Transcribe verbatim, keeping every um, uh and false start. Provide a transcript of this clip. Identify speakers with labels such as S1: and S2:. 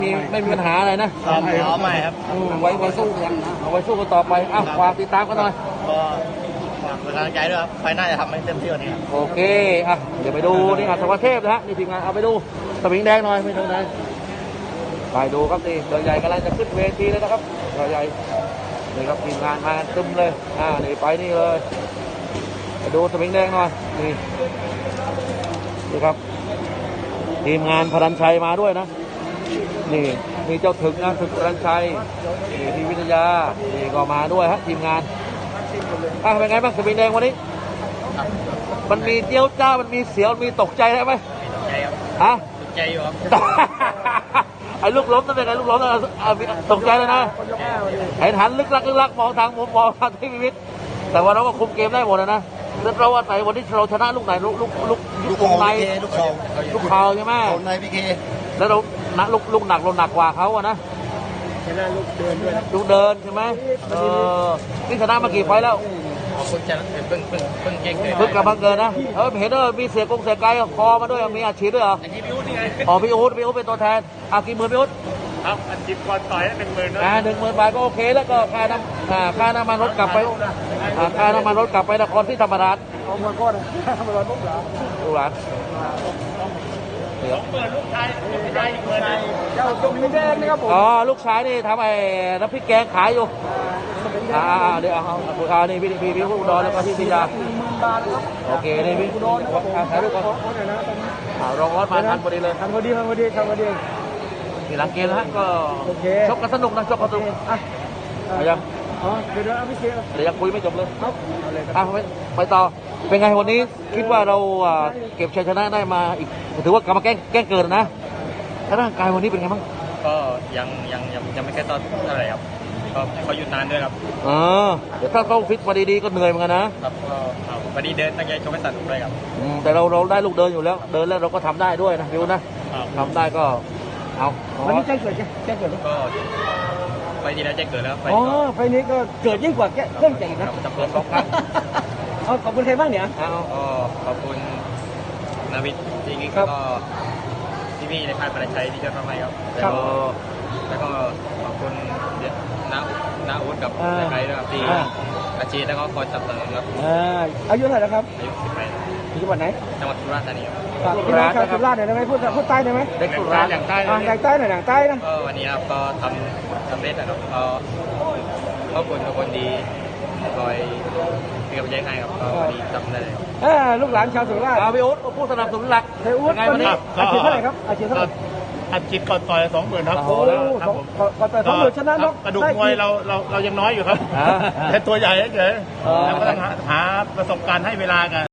S1: มีไม่มีปัญหาอะไรนะ
S2: ซ้อมซ้อมใหม่ครับ
S1: ไว้ไว้สู้กันเอาไว้สู้กันต่อไปอ้าวฝากติดตามกันหน่อย
S2: ก็ฝากเป็นกำลังใจด้วยครับไฟหน้าจะทำให้เต็มที่กว่านี้ครับ
S1: โอเคอ่ะเดี๋ยวไปดูนี่อัศวเทพนะฮะนี่ทีมงานเอาไปดูสมิงแดงหน่อยไม่เท่าไหร่ไปดูครับนี่เสือใหญ่กำลังจะขึ้นเวทีเลยนะครับเสือใหญ่นี่ครับทีมงานมาตึมเลยอ่านี่ไปนี่เลยไปดูสมิงแดงหน่อยนี่นี่ครับทีมงานพลันชัยมาด้วยนะนี่มีเจ้าถึกนะถึกพลันชัยนี่ทีวิทยานี่ก็มาด้วยฮะทีมงานอ่ะเป็นไงบ้างสมิงแดงวันนี้มันมีเจียวจ้ามันมีเสียวมีตกใจได้ไหม
S2: ตกใจครับ
S1: ฮะ
S2: ตกใจอยู่ครับ
S1: ไอ้ลูกล้มนั่นเป็นไงลูกล้มนั่นตกใจเลยนะไอ้หันลึกลักลึกลักมองทางมุมมองทางที่วิวิทแต่ว่าเราก็คุมเกมได้หมดนะนะแล้วเราว่าไหนวันนี้เราชนะลูกไหนลูกลูกลูกลูกวงใน
S2: ลูกเขา
S1: ลูกเข่าใช่ไหม
S2: วงในพี่เค
S1: แล้วเราหนักลูกลูกหนักเราหนักกว่าเขาอะนะ
S2: ชนะลูกเดินด้วย
S1: ลูกเดินใช่ไหมเออนี่ชนะมากี่ไฟล์แล้ว
S2: ขอบคุณจะเพิ่งเพิ่งเพิ่งเก่งเลย
S1: เพิ่งกลับมาเกินนะเออเห็นเออมีเสียกงเสียไกลคอมาด้วยมีอาชีพด้วยเหรอ
S2: อันนี้พี่อุ้ดนี่ไง
S1: อ๋อพี่อู๊ดพี่อู๊ดเป็นตัวแทนอากี่หมื่นพี่อู๊ด
S2: ครับอันจิบก่อนต่อยหนึ่งหมื่น
S1: อ่าหนึ่งหมื่นบาทก็โอเคแล้วก็ค่าน้ำอ่าค่าน้ำมันรถกลับไปอ่าค่าน้ำมันรถกลับไปนครที่ธรรมราช
S2: เอาเงินก้อนทำอะไรลูกหลาน
S1: ลูกหลานเดี๋ยว
S2: เปิดลูกชายลูกชายอีกเงินเจ้าสมิงแดงนะครับผม
S1: อ๋อลูกชายนี่ทำไอ้น้ำพริกแกงขายอยู่อ่าอ่าเดี๋ยวเอาเอาเอานี่พี่พี่พี่ผู้อุดรแล้วก็พี่พิยาโอเคนี่พี่ถ่ายรูปก่อนอ่ารองรถมาทันพอดีเลย
S2: ทำพอดีทำพอดีทำพอดี
S1: ทีหลังเกมนะฮะก็
S2: โอเค
S1: ชกกันสนุกนะชกกันสนุก
S2: อ่ะ
S1: ไปยัง
S2: อ๋อเดี๋ยวเดี๋ยวเอาพี่เค
S1: เดี๋ยวยังคุยไม่จบเลย
S2: ครับเอาเลยครับ
S1: อ่ะไปไปต่อเป็นไงวันนี้คิดว่าเราอ่าเก็บชัยชนะได้มาอีกถือว่ากลับมาแกล้งแกล้งเกิดนะแล้วร่างกายวันนี้เป็นไงบ้าง
S2: ก็ยังยังยังยังไม่ใกล้ตอนเท่าไหร่ครับก็เขาหยุดนานด้วยครับ
S1: เออเดี๋ยวถ้าเขาฟิตมาดีๆก็เหนื่อยเหมือนกันนะครับ
S2: ก็ครับวันนี้เดินตั้งใจชกให้สนุกเลยครับ
S1: อืมแต่เราเราได้ลูกเดินอยู่แล้ว เดินแล้วเราก็ทำได้ด้วยนะวิวนะครับ ทำได้ก็เอาเอา
S3: วันนี้แจ้งเกิดแจ้งเกิดไหม
S2: ก็ไปที่แล้วแจ้งเกิดแล้วไป
S3: อ๋อไฟล์นี้ก็เกิดยิ่งกว่าแก้เครื่องแจ้งอีกนะ
S2: จำ
S1: เกิ
S2: เกิ
S1: ด
S2: ด
S1: สองครั้ง
S3: เอาขอบคุณใครบ้างเนี่ย
S1: เอา
S2: ก็ขอบคุณนาวิทย์จริงๆ
S3: ครั
S2: แล้ว
S3: บ
S2: ก็พี่พี่ในค่ายปราชัยที่ช่วยทำให้ครับ
S3: ครับ
S2: แล้วก็ขอบคุณน้าน้าอุดกับ
S3: อ่า
S2: ในค่ายด้วยครับที่
S3: อ่า
S2: อาชีพแล้วก็คอยสนับสนุนครับ
S3: อ่าอายุเท่าไหร่แล้วครับ
S2: อายุสิบแปด
S3: อยู่จังหวัดไหน
S2: จังหวัดสุราษฎร์ธานีครับ
S3: ฝากพี่น้องชาวสุราษฎร์หน่อยได้ไหมพูดพูดใต้ได้ไหม
S1: เด็กสุราษฎร์
S2: อย่างใต้
S3: อ่าอย่างใต้หน่อยอย่างใต้นะ
S2: ก็วันนี้ครับก็ทำสำเร็จนะครับก็ขอบคุณทุกคนดีคอยเป็นกำลังใจให้ครับก็วันนี้ทำได้เลยครับ
S3: อ่าลูกหลานชาวสุราษฎร์
S1: เอาพี่อุ๊ดผู้สนับสนุนหลัก
S3: เทอูด
S1: เป็นไงวันนี้
S3: อาชีพเท่าไหร่ครับอาชีพเท่าไหร่
S4: อัดจิตก่อนต่อยสองหมื่นครับ
S1: โอ้
S3: โอ้สองก่อนแต่สองหมื่นชนะนก
S4: กระดูกมวยเราเราเรายังน้อยอยู่ครับ
S1: อ่า
S4: แต่ตัวใหญ่เฉย
S1: เออ
S4: ๆแล้วก็ต้องหาหาประสบการณ์ให้เวลากัน